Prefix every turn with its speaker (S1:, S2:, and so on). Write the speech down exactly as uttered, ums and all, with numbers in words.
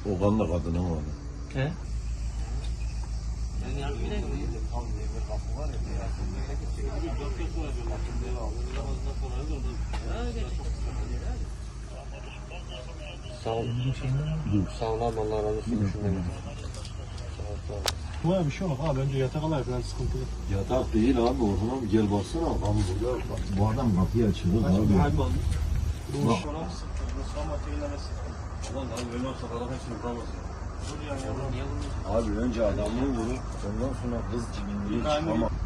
S1: Okan da kadının oğlu.
S2: He?
S3: Sağ ol. Sağ ol abi, Allah razı olsun.
S4: Bu bir şey olmaz abi, önce yatak alayım biraz sıkıntılı.
S1: Yatak değil abi, Orhan abi gel baksana. Abi burada bak, bu adam kapıyı açıyor abi.
S4: Bu
S1: Bak.
S4: iş ona sıkıntı, sonra teyleme sıkıntı.
S1: Ulan abi benim olsa kadar hepsini vuramazsın. Abi önce adamı vurur, ondan sonra kız cibinliği çıkamaz.